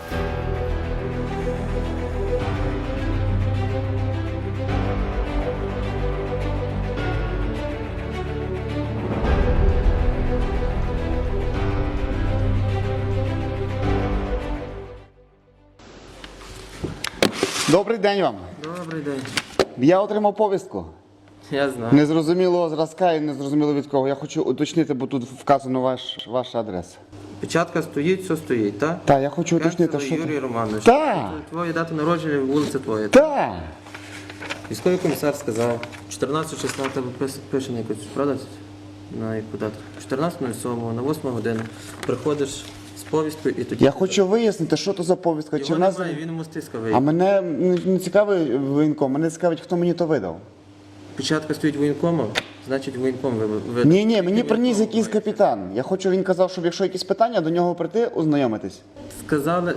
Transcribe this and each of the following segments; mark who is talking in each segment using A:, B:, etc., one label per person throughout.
A: Добрий день вам.
B: Добрий день.
A: Я отримав повістку.
B: Я знаю.
A: Незрозумілого зразка і незрозуміло від кого. Я хочу уточнити, бо тут вказано ваша адреса.
B: Печатка стоїть, все стоїть, так?
A: Так, я хочу уточнити,
B: Кенцело
A: що...
B: Юрій Романович.
A: Так.
B: Твоя дата народження, вулиця твоя.
A: Так.
B: Військовий комісар сказав, 14-16 тебе пише на якусь, правда? На яку дату? 14.07 на 8 годину. Приходиш з повісткою і тоді...
A: Я хочу вияснити, що то за повістка.
B: Його
A: Чи в нас...
B: немає, він у Мостиська
A: А
B: виїхав.
A: мене не цікавий воєнком, мене цікавить, хто мені то видав.
B: Печатка стоїть воєнкома, значить воєнком видав.
A: Ні, мені приніс якийсь капітан. Я хочу, він казав, щоб якщо якісь питання, до нього прийти, ознайомитись.
B: Сказали,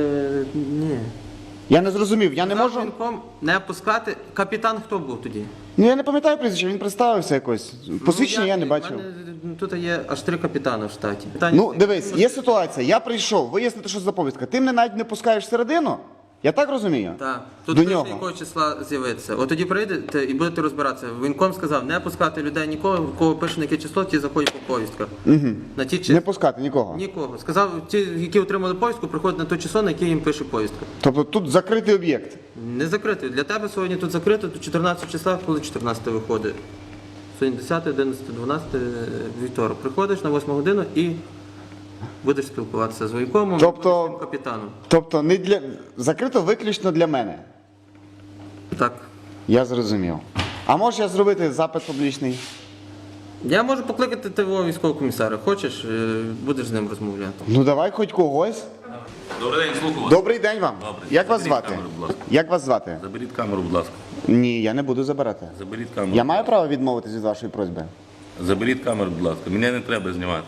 B: ні.
A: Я не зрозумів, я не
B: Сказав
A: можу...
B: воєнком не пускати. Капітан хто був тоді?
A: Ну я не пам'ятаю прізвище, він представився якось. Посвідчення я не бачив.
B: У мене тут є аж 3 капітани в штаті.
A: Ну, дивись, є ситуація, я прийшов вияснити, що за повістка. Ти мене навіть не пускаєш всередину, я так розумію?
B: Так. Тут
A: До
B: пише,
A: нього.
B: якого числа з'явитися. От тоді прийдете і будете розбиратися. Воєнком сказав, не пускати людей нікого, в кого пише на яке число, ті заходять по повістках. На ті
A: Не пускати нікого.
B: Нікого. Сказав, ті, які отримали повістку, приходять на те число, на яке їм пише повістка.
A: Тобто тут закритий об'єкт.
B: Не закритий. Для тебе сьогодні тут закрито, тут 14 числа, коли 14 виходить. Сьогодні 10, 11, 12, вівторок. Приходиш на 8 годину і будеш спілкуватися з воєнкомом,
A: Тобто-
B: і з капітаном.
A: Тобто не для... закрито виключно для мене.
B: Так.
A: Я зрозумів. А можеш я зробити запит публічний?
B: Я можу покликати твого військового комісара. Хочеш, будеш з ним розмовляти.
A: Ну давай хоч когось.
C: Добрий день, слухаю вас.
A: Добрий день вам.
C: Добрий.
A: Як вас
C: Заберіть
A: звати?
C: камеру, будь ласка.
A: Як вас звати?
C: Заберіть камеру, будь ласка.
A: Ні, я не буду забирати.
C: Заберіть камеру.
A: Я маю право відмовитись від вашої просьби?
C: Заберіть камеру, будь ласка. Мене не треба знімати.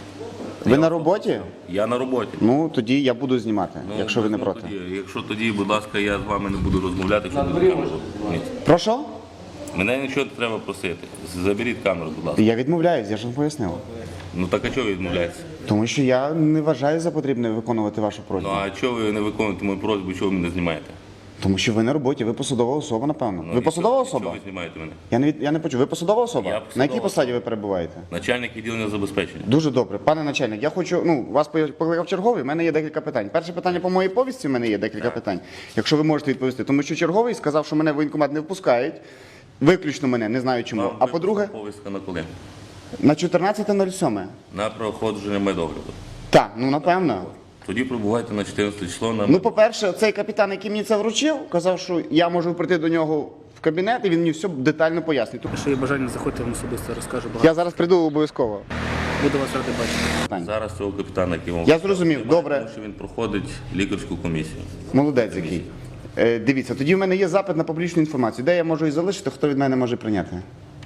A: Ви на роботі?
C: Я на роботі.
A: Ну, тоді я буду знімати, якщо ви не проти.
C: Якщо тоді, будь ласка, я з вами не буду розмовляти, якщо буде камеру. Ні.
A: Прошу?
C: Мене нічого не треба просити. Заберіть камеру, будь ласка.
A: Я відмовляюсь, я ж вам пояснив.
C: Ну так а чого ви відмовляєтеся?
A: Тому що я не вважаю за потрібне виконувати вашу
C: Ну
A: просьбу.
C: а чого ви не виконуєте мою просьбу, чого ви мене знімаєте?
A: Тому що ви на роботі, ви посадова особа, напевно.
C: Ну,
A: Ви
C: і
A: посадова
C: чого-
A: особа?
C: Чого ви знімаєте мене?
A: Я не почув. Ви посадова особа?
C: Я
A: На
C: посадова
A: якій посаді
C: особа.
A: ви перебуваєте?
C: Начальник відділення забезпечення.
A: Дуже добре. Пане начальник, я хочу, вас покликав черговий, в мене є декілька питань. Перше питання по моїй повістці, в мене є декілька питань, якщо ви можете відповісти. Тому що черговий сказав, що мене в воєнкомат не впускають, виключно мене, не знаю чому.
C: Вам
A: А по-друге,
C: повістка на коли?
A: на 14.07.
C: На проходження медогляду.
A: Так, ну напевно.
C: Тоді прибувайте на 14 число на
A: Ну, по-перше, цей капітан, який мені це вручив, казав, що я можу прийти до нього в кабінет, і він мені все детально пояснить.
D: Якщо є бажання, заходьте, вам особисто розкажу багато.
A: Я зараз прийду обов'язково.
D: Буду вас радий бачити.
C: Зараз цього капітана, який вам
A: Я зрозумів,
C: немає,
A: добре.
C: Тому що він проходить лікарську комісію.
A: Молодець який. Дивіться, тоді в мене є запит на публічну інформацію. Де я можу її залишити, хто від мене може прийняти?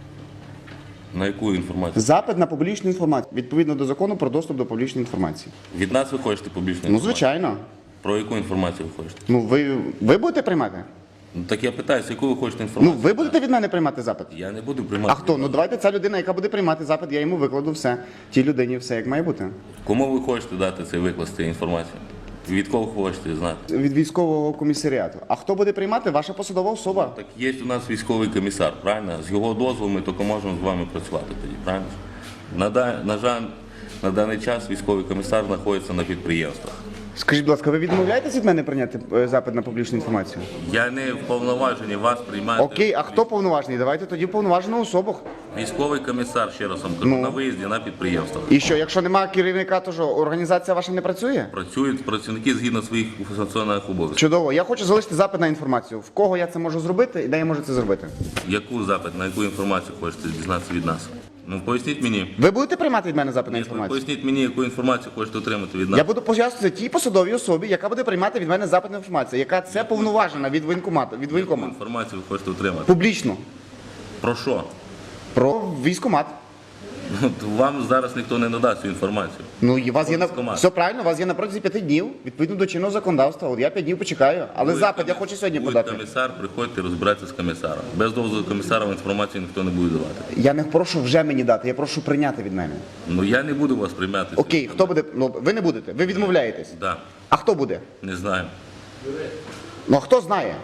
C: На яку інформацію?
A: Запит на публічну інформацію, відповідно до закону про доступ до публічної інформації.
C: Від нас ви хочете публічну
A: Ну,
C: інформацію?
A: звичайно.
C: Про яку інформацію ви хочете?
A: Ну, ви будете приймати?
C: Ну так я питаюся, яку ви хочете
A: Ну,
C: інформацію?
A: ви будете від мене приймати запит?
C: Я не буду приймати.
A: А хто? Ну, давайте ця людина, яка буде приймати запит, я йому викладу все. Тій людині все, як має бути.
C: Кому ви хочете дати цей викласти інформацію? Від кого хочете знати?
A: Від військового комісаріату. А хто буде приймати? Ваша посадова особа.
C: Так є у нас військовий комісар, правильно? З його дозволу ми тільки можемо з вами працювати тоді, правильно? На жаль, на даний час військовий комісар знаходиться на підприємствах.
A: Скажіть, будь ласка, ви відмовляєтесь від мене прийняти запит на публічну інформацію?
C: Я не вповноважений вас приймати.
A: Окей, а хто повноважений? Давайте тоді повноважену особу.
C: Військовий комісар, ще раз вам кажу,
A: Ну.
C: на виїзді на підприємствах.
A: І що, якщо немає керівника, то що, організація ваша не працює?
C: Працюють працівники згідно своїх функціональних обов'язків.
A: Чудово. Я хочу залишити запит на інформацію. В кого я це можу зробити і де я можу це зробити?
C: Яку запит, на яку інформацію хочете дізнатися від нас? Ну поясніть мені.
A: Ви будете приймати від мене запит на інформацію?
C: Поясніть мені, яку інформацію хочете отримати від нас.
A: Я буду пояснювати тій посадовій особі, яка буде приймати від мене запит на інформацію, яка це повноважена від воєнкомату, від
C: Яку
A: воєнкома.
C: інформацію ви хочете отримати?
A: Публічно.
C: Про що?
A: Про військкомат.
C: Вам зараз ніхто не надасть цю інформацію.
A: Ну, і у вас є на
C: Військкомат.
A: все правильно, у вас є на протязі 5 днів, відповідно до чинного законодавства. От я 5 днів почекаю, але
C: Буде
A: запит я хочу сьогодні
C: буде
A: подати.
C: комісар, приходьте, розбирайтеся з комісаром. Без дозволу комісара інформацію ніхто не буде давати.
A: Я не прошу вже мені дати, я прошу прийняти від мене.
C: Ну я не буду вас приймати.
A: Окей, хто буде? Ну ви не будете, ви відмовляєтесь.
C: Да,
A: А хто буде?
C: не знаю.
A: Ну а хто знає?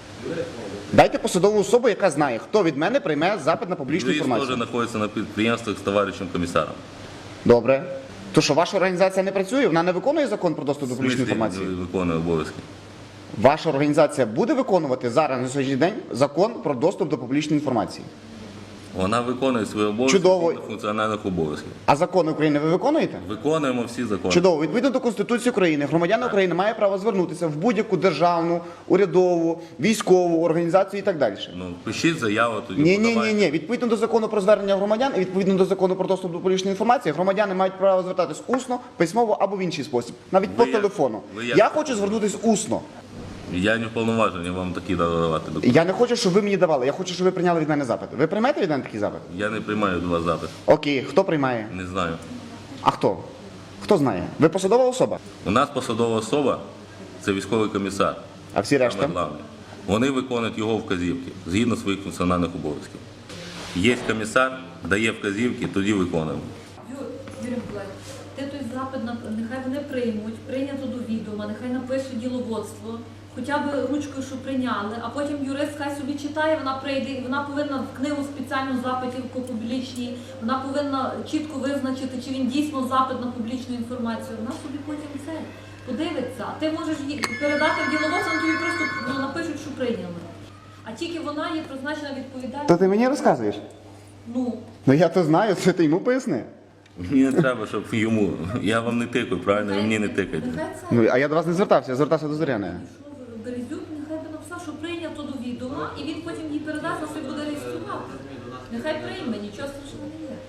A: Дайте посадову особу, яка знає, хто від мене прийме запит на публічну
C: Юрист теж
A: інформацію.
C: знаходиться на підприємствах з товаришем комісаром.
A: Добре. То що ваша організація не працює, вона не виконує закон про доступ до публічної інформації?
C: Виконує обов'язки.
A: Ваша організація буде виконувати зараз на сьогоднішній день закон про доступ до публічної інформації.
C: Вона виконує свої обов'язки
A: Чудово.
C: згідно функціональних обов'язків.
A: А закони України ви виконуєте?
C: Виконуємо всі закони.
A: Чудово. Відповідно до Конституції України, громадяни України мають право звернутися в будь-яку державну, урядову, військову організацію і так далі.
C: Ну, пишіть заяву, тоді
A: Ні.
C: подавайте.
A: Відповідно до закону про звернення громадян і відповідно до закону про доступ до публічної інформації, громадяни мають право звертатись усно, письмово або в інший спосіб, навіть по
C: Ви як-
A: телефону.
C: ви як-
A: Я хочу звернутися усно.
C: Я не вповноважений вам такі давати документи.
A: Я не хочу, щоб ви мені давали. Я хочу, щоб ви прийняли від мене запит. Ви приймете від мене такий запит?
C: Я не приймаю до вас запит.
A: Окей, хто приймає?
C: Не знаю.
A: А хто? Хто знає? Ви посадова особа?
C: У нас посадова особа це військовий комісар.
A: А всі решта?
C: Саме головне. Вони виконують його вказівки згідно своїх функціональних обов'язків. Є комісар, дає вказівки, тоді виконуємо.
E: Юрій Миколаївич, ти той запит, нехай вони приймуть, прийнято до відома, нехай напише діловодство, хоча б ручкою, що прийняли, а потім юрист хай собі читає, вона прийде, і вона повинна в книгу спеціальну запитів по публічній, вона повинна чітко визначити, чи він дійсно запит на публічну інформацію. Вона собі потім це подивиться. А ти можеш їй передати в діловодство, вони тобі просто напишуть, що прийняли. А тільки вона є призначена відповідальність.
A: То ти мені розказуєш?
E: Ну,
A: Ну я то знаю, це ти йому поясни.
C: Мені не треба, щоб йому. Я вам не тикаю, правильно? Ви мені не тикайте.
E: нехай це.
A: Ну, а я до вас не звертався, я звертався до Зоряної.
E: Березюк нехай би написав, що прийнято до відома, і він потім їй передасть, на собі буде реєструвати. Нехай прийме, нічого страшного не є.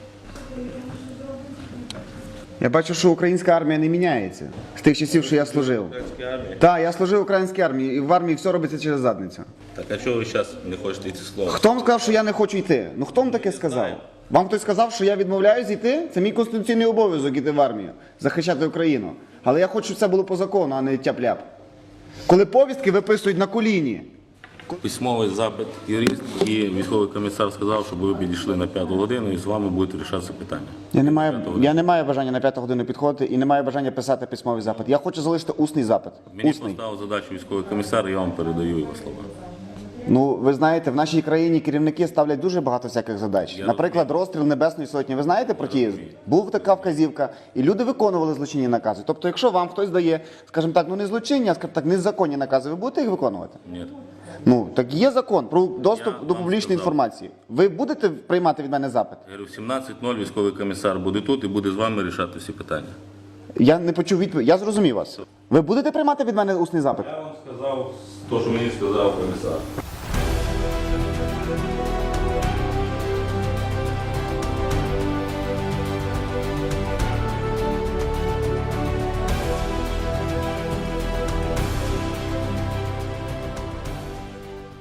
A: Я бачу, що українська армія не міняється з тих часів, що я служив. Так, я служив в українській армії, і в армії все робиться через задницю.
C: Так а чого ви зараз не хочете йти слово?
A: Хто вам сказав, що я не хочу йти? Ну хто вам таке сказав? Вам хтось сказав, що я відмовляюсь йти? Це мій конституційний обов'язок йти в армію, захищати Україну. Але я хочу, щоб це було по закону, а не тяп-ляп. Коли повістки виписують на коліні.
C: Письмовий запит юрист і військовий комісар сказав, щоб ви підійшли на 5 годину і з вами будуть вирішатися питання.
A: Я не маю бажання на 5 годину підходити і не маю бажання писати письмовий запит. Я хочу залишити усний запит.
C: Мені
A: Усний.
C: поставив задачу військовий комісар, я вам передаю його слова.
A: Ну, ви знаєте, в нашій країні керівники ставлять дуже багато всяких задач. Наприклад, розстріл Небесної Сотні. Ви знаєте про ті? Був така вказівка, і люди виконували злочинні накази. Тобто, якщо вам хтось дає, скажімо так, ну не злочинні, а скажімо так, незаконні накази, ви будете їх виконувати?
C: Ні.
A: Ну, так є закон про доступ
C: Я
A: до
C: вам
A: публічної
C: сказав.
A: інформації. Ви будете приймати від мене запит?
C: Я говорю, в 17:00 військовий комісар буде тут і буде з вами рішати всі питання.
A: Я не почув відповідь. Я зрозумів вас. Ви будете приймати від мене усний запит?
C: Я вам сказав те, що мені сказав комісар.